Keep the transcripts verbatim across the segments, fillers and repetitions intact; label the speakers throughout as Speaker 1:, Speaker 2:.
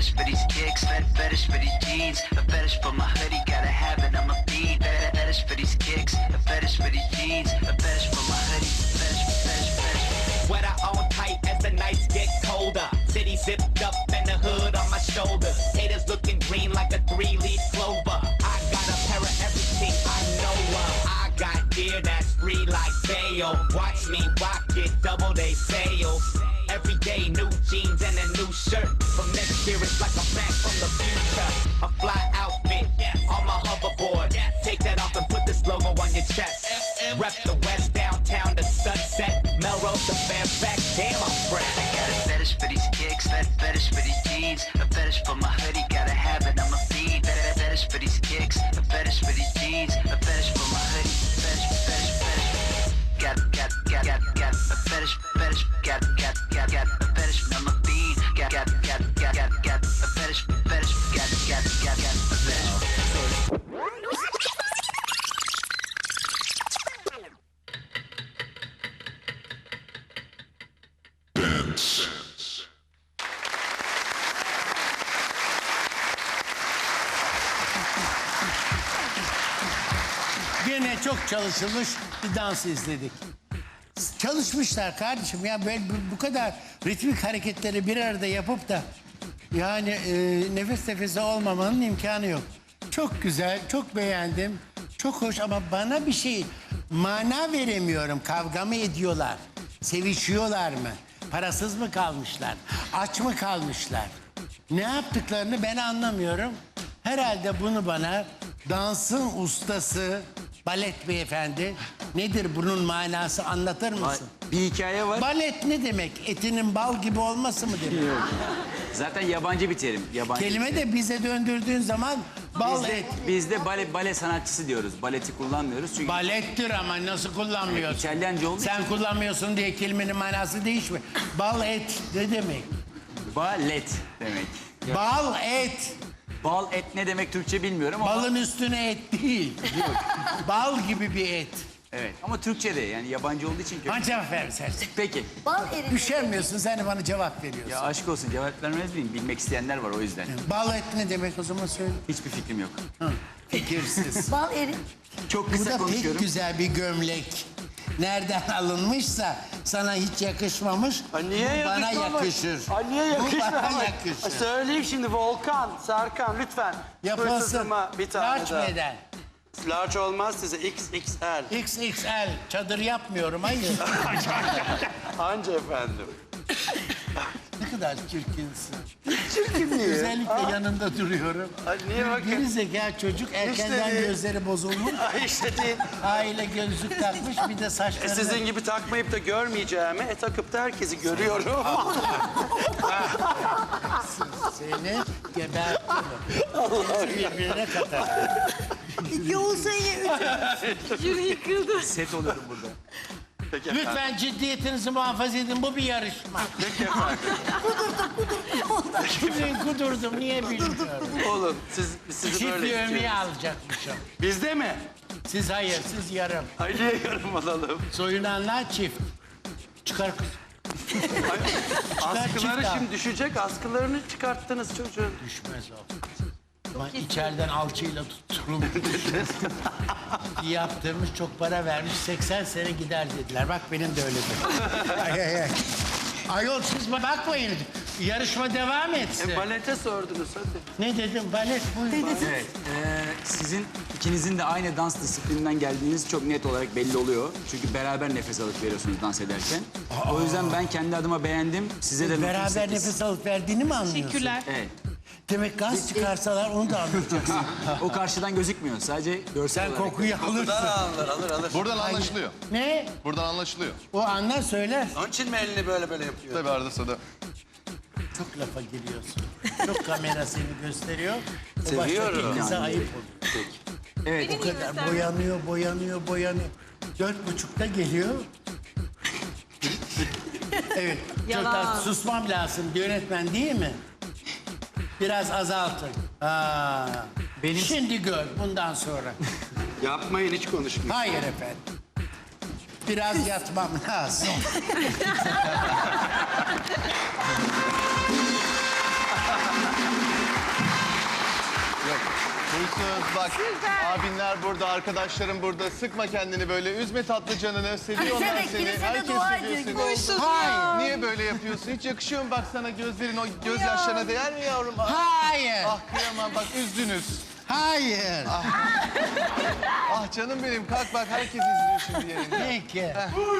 Speaker 1: fetish for these kicks, fet fetish for these jeans, a fetish for my hoodie, gotta have it, I'm a fiend. Fet fetish for these kicks, a fetish for these jeans, a fetish for my hoodie, fetish, fetish, fetish.
Speaker 2: Sweater on tight as the nights get colder. City zipped up and the hood on my shoulder. Haters looking green like a three-leaf clover. I got a pair of everything I know of. I got gear that's free like sale. Watch me rock it, double day sales. Every day new jeans and a new shirt. From next year it's like I'm back from the future. A fly outfit on my hoverboard. Take that off and put this logo on your chest. Rep the west downtown to Sunset. Melrose to Fairfax, damn I'm fresh.
Speaker 1: I got a fetish for these kicks, fet fetish for these jeans, a fetish for my hoodie, gotta have it, I'm a fiend. Fet fetish for these kicks, a fetish for these jeans, a fetish for my hoodie, fetish, fetish, fetish. Got, got, got, got, got a fetish, fetish, got, got, got, got a fetish, I'm a fiend. Got, got, got, got, got, got a fetish, fetish, got, got, got, got a fetish.
Speaker 3: Gene çok çalışılmış bir dans izledik. Çalışmışlar kardeşim ya, böyle bu, bu kadar ritmik hareketleri bir arada yapıp da yani e, nefes nefese olmamanın imkanı yok. Çok güzel, çok beğendim, çok hoş ama bana bir şey mana veremiyorum. Kavga mı ediyorlar, sevişiyorlar mı, parasız mı kalmışlar, aç mı kalmışlar? Ne yaptıklarını ben anlamıyorum. Herhalde bunu bana dansın ustası, balet beyefendi, nedir bunun manası, anlatır mısın?
Speaker 4: Bir hikaye var.
Speaker 3: Balet ne demek? Etinin bal gibi olması mı demek?
Speaker 4: Zaten yabancı bir terim. Yabancı
Speaker 3: Kelime
Speaker 4: bir
Speaker 3: de
Speaker 4: terim.
Speaker 3: bize döndürdüğün zaman bal
Speaker 4: Bizde,
Speaker 3: et.
Speaker 4: bizde bale, bale sanatçısı diyoruz. Baleti kullanmıyoruz çünkü
Speaker 3: Balettir ama nasıl kullanmıyorsun?
Speaker 4: İtalyanca olduğu
Speaker 3: Sen kullanmıyorsun diye kelimenin manası değişmiyor. Bal et ne demek?
Speaker 4: balet demek.
Speaker 3: Bal et.
Speaker 4: Bal et ne demek Türkçe bilmiyorum ama.
Speaker 3: Balın üstüne et değil. Bal gibi bir et.
Speaker 4: Evet ama Türkçe de yani yabancı olduğu için kötü.
Speaker 3: Bana cevap ver sersin.
Speaker 4: Peki.
Speaker 5: Bal eridi.
Speaker 3: Üşenmiyorsun, sen de bana cevap veriyorsun.
Speaker 4: Ya aşk olsun cevap vermez miyim? Bilmek isteyenler var o yüzden.
Speaker 3: Bal et ne demek o zaman söyle.
Speaker 4: Hiçbir fikrim yok.
Speaker 3: Hı, fikirsiz.
Speaker 5: Bal eri.
Speaker 4: Çok
Speaker 3: Bu
Speaker 4: kısa
Speaker 3: da pek
Speaker 4: konuşuyorum.
Speaker 3: güzel bir gömlek. Nereden alınmışsa sana hiç yakışmamış.
Speaker 6: Ay niye
Speaker 3: bu bana
Speaker 6: yakışmamış?
Speaker 3: yakışır.
Speaker 6: Ay niye
Speaker 3: Bu
Speaker 6: yakışmamış?
Speaker 3: bana
Speaker 6: Ay
Speaker 3: yakışır.
Speaker 6: söyleyeyim şimdi Volkan, Serkan lütfen.
Speaker 3: Yapılsın.
Speaker 6: Hırsızıma bir tane
Speaker 3: Large
Speaker 6: daha.
Speaker 3: beden.
Speaker 6: Large olmaz size X X L.
Speaker 3: X X L. Çadır yapmıyorum, hayır.
Speaker 6: Anca efendim.
Speaker 3: Ne kadar çirkinsin.
Speaker 6: Çirkin niye?
Speaker 3: Özellikle yanında duruyorum.
Speaker 6: Ay niye bakın?
Speaker 3: Geri zeka çocuk, erkenden
Speaker 6: değil.
Speaker 3: gözleri bozulmuş.
Speaker 6: Ay işte değil.
Speaker 3: Aile gözlük takmış, bir de
Speaker 6: E,
Speaker 3: saçlarını...
Speaker 6: sizin gibi takmayıp da görmeyeceğimi, e, takıp da herkesi görüyorum.
Speaker 3: Seni gebertirim. Birbirine katar.
Speaker 5: İki olsa yine üç. Yürü yıkıldı.
Speaker 4: Set oluyorum burada.
Speaker 6: Peki efendim.
Speaker 3: Lütfen ciddiyetinizi muhafaza edin, bu bir yarışma.
Speaker 6: Peki efendim.
Speaker 3: Kudurdum, kudurdum, niye bilmiyorum.
Speaker 6: Oğlum siz, sizi böyle
Speaker 3: Çiftli ömüğü
Speaker 6: istiyoruz.
Speaker 3: alacakmışım.
Speaker 6: Bizde mi?
Speaker 3: Siz hayır, siz yarım.
Speaker 6: Ay niye yarım alalım?
Speaker 3: Soyunanlar çift. Çıkar kız.
Speaker 6: Askıları
Speaker 3: çift al.
Speaker 6: şimdi düşecek. Askılarını çıkarttınız çocuğun.
Speaker 3: Düşmez o. Ama içeriden alçıyla tutturulmuş. Yaptırmış, çok para vermiş, seksen sene gider dediler. Bak benim de öyledir. Ay, ay, ay. Ayol siz bakmayın. Yarışma devam etsin.
Speaker 6: E, balete sordunuz hadi.
Speaker 3: Ne dedim? Balet buyurun.
Speaker 4: Evet. eee, sizin ikinizin de aynı dans disiplininden geldiğiniz çok net olarak belli oluyor. Çünkü beraber nefes alıp veriyorsunuz dans ederken. O yüzden ben kendi adıma beğendim. Size de notum
Speaker 3: Beraber
Speaker 4: sekiz.
Speaker 3: nefes alıp verdiğini mi anlıyorsun?
Speaker 7: Teşekkürler.
Speaker 4: Evet.
Speaker 3: Demek gaz çıkarsalar onu da anlayacaksın.
Speaker 4: O karşıdan gözükmüyor. Sadece görsel
Speaker 3: Sen
Speaker 4: olarak.
Speaker 3: kokuyu alırsın.
Speaker 6: Alır alır alır.
Speaker 8: Buradan anlaşılıyor.
Speaker 3: Ne?
Speaker 8: Buradan anlaşılıyor.
Speaker 3: O anlar söyler.
Speaker 6: Onun için mi elini böyle böyle yapıyor?
Speaker 8: Tabii arada sırada.
Speaker 3: Çok lafa giriyorsun. Çok kamera seni gösteriyor. O
Speaker 6: Seviyorum.
Speaker 3: baştaki kıza ayıp oluyor.
Speaker 4: Evet.
Speaker 3: O kadar boyanıyor, boyanıyor, boyanıyor. Dört buçukta geliyor. Evet, çok
Speaker 7: Yalan.
Speaker 3: da susmam lazım. Yönetmen değil mi? Biraz azaltın. Aa,
Speaker 4: Benim-
Speaker 3: Şimdi gör bundan sonra.
Speaker 6: Yapmayın hiç konuşmayın.
Speaker 3: Hayır efendim. Biraz yatmam lazım.
Speaker 7: Huysuz bak abinler burada, arkadaşlarım burada. Sıkma kendini böyle. Üzme tatlı canını. Seviyorlar
Speaker 5: Kilisede,
Speaker 7: seni.
Speaker 5: kilisede
Speaker 7: Herkes
Speaker 5: dua
Speaker 7: seviyor
Speaker 5: ediyor
Speaker 7: seni.
Speaker 5: gibi.
Speaker 3: Huysuz ya.
Speaker 7: Niye böyle yapıyorsun? Hiç yakışıyor mu bak sana gözlerin o gözyaşlarına değer mi yavrum? Ah,
Speaker 3: Hayır.
Speaker 7: ah kıyamam bak üzdünüz.
Speaker 3: Hayır.
Speaker 7: Ah canım benim kalk bak herkes izliyor şimdi yayını.
Speaker 3: Peki.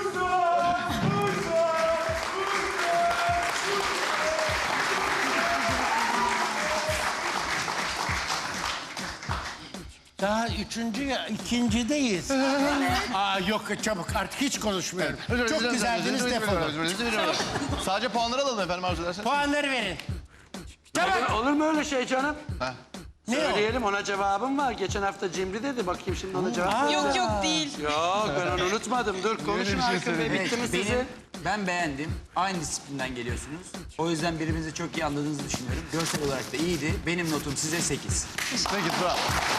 Speaker 3: Daha üçüncü ya, ikincideyiz. Aa yok çabuk artık hiç konuşmuyorum. Çok güzeldiniz defolun.
Speaker 7: Sadece puanları alalım efendim arzu ederseniz.
Speaker 3: Puanları verin. Çabuk.
Speaker 6: Olur mu öyle şey canım?
Speaker 3: Ne o?
Speaker 6: Söyleyelim ona cevabım var. Geçen hafta Cimri dedi. Bakayım şimdi ona cevap.
Speaker 5: Yok yok değil.
Speaker 6: Yok ben onu unutmadım. Dur konuşun Hakan Bey. Bitti mi
Speaker 4: Benim,
Speaker 6: sizin?
Speaker 4: ben beğendim. Aynı disiplinden geliyorsunuz. O yüzden birbirinizi çok iyi anladığınızı düşünüyorum. Görsel olarak da iyiydi. Benim notum size sekiz.
Speaker 7: Peki bravo.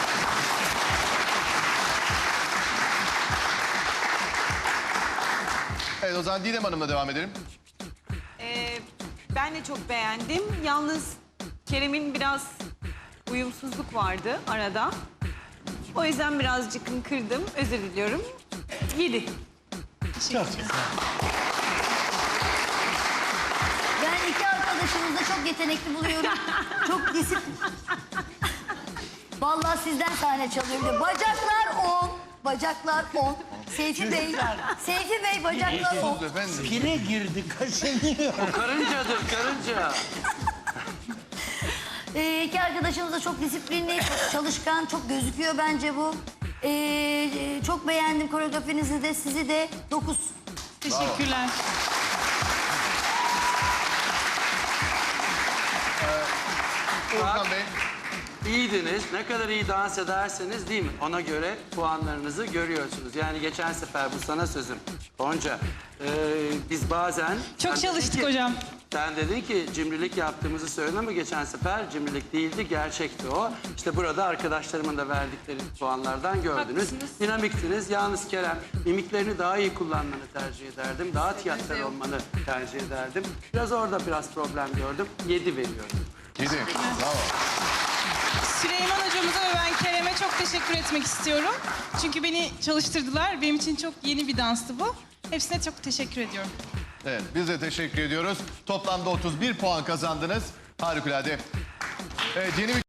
Speaker 7: Evet o zaman Didem Hanım'la devam edelim.
Speaker 5: Ee, ben de çok beğendim. Yalnız Kerem'in biraz uyumsuzluk vardı arada. O yüzden birazcık kırdım. Özür diliyorum. Yedi.
Speaker 3: Çok güzel.
Speaker 8: Ben iki arkadaşımızı da çok yetenekli buluyorum. Çok disiplin. Vallahi sizden sahne çalıyor. Bir de bacaklar on. Bacaklar on. Seyfi Bey. Seyfi Bey bacaklar on.
Speaker 7: Efendim.
Speaker 3: Pire girdi kaşınıyor.
Speaker 6: Karıncadır karınca.
Speaker 8: Ee, iki arkadaşımız da çok disiplinli, çok çalışkan, çok gözüküyor bence bu. Ee, çok beğendim koreografinizi de, sizi de. Dokuz.
Speaker 5: Teşekkürler.
Speaker 7: Orhan Bey.
Speaker 6: İyiydiniz. Ne kadar iyi dans ederseniz değil mi? Ona göre puanlarınızı görüyorsunuz. Yani geçen sefer bu sana sözüm. Gonca, ee, biz bazen...
Speaker 5: Çok
Speaker 6: sen
Speaker 5: çalıştık
Speaker 6: dedin ki-
Speaker 5: hocam.
Speaker 6: Sen dedin ki cimrilik yaptığımızı söyledin ama geçen sefer cimrilik değildi, gerçekti o. İşte burada arkadaşlarımın da verdikleri puanlardan gördünüz.
Speaker 5: Haklısınız.
Speaker 6: Dinamiktiniz. Yalnız Kerem, mimiklerini daha iyi kullanmanı tercih ederdim. Daha tiyatral olmanı tercih ederdim. Biraz orada biraz problem gördüm. Yedi veriyorum.
Speaker 7: Yedi. Bravo.
Speaker 9: Süleyman hocamıza ve ben Kerem'e çok teşekkür etmek istiyorum. Çünkü beni çalıştırdılar. Benim için çok yeni bir danstı bu. Hepsine çok teşekkür ediyorum.
Speaker 7: Evet biz de teşekkür ediyoruz. Toplamda otuz bir puan kazandınız. Harikulade. Evet, yeni bir